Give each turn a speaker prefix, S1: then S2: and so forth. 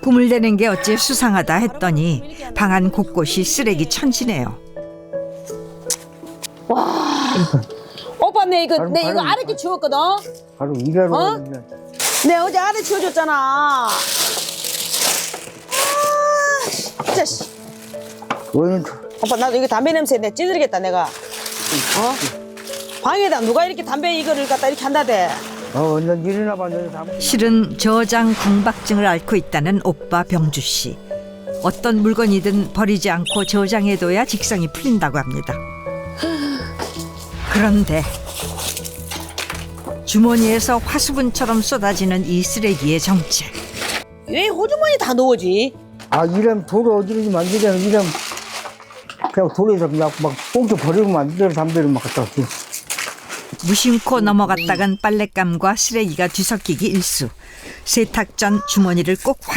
S1: 꿈을 내는 게 어째 수상하다 했더니 방 안 곳곳이 쓰레기 천지네요.
S2: 오빠 내 이거
S3: 바로
S2: 아랫게 치웠거든.
S3: 바로 일하러
S2: 어?
S3: 가는
S2: 내 어제 아래 치워줬잖아. 진짜 씨.
S3: 원인
S2: 오빠 나도 이거 담배 냄새 내 찌르겠다 내가. 방에다 누가 이렇게 담배 이거를 갖다 이렇게 한다대.
S3: 완전 일이나 봤는데 다
S1: 실은 저장 강박증을 앓고 있다는 오빠 병주 씨. 어떤 물건이든 버리지 않고 저장해둬야 직성이 풀린다고 합니다. 그런데 주머니에서 화수분처럼 쏟아지는 이 쓰레기의 정체.
S2: 왜 호주머니 다 넣어지?
S3: 이러면 돌을 어디든지 만들잖아. 이러면 그냥 돌에서 그냥 막 꽁쳐 버리고 만들어 담배를 막 갖다 줘.
S1: 무심코 넘어갔다간 빨랫감과 쓰레기가 뒤섞이기 일쑤. 세탁 전 주머니를 꼭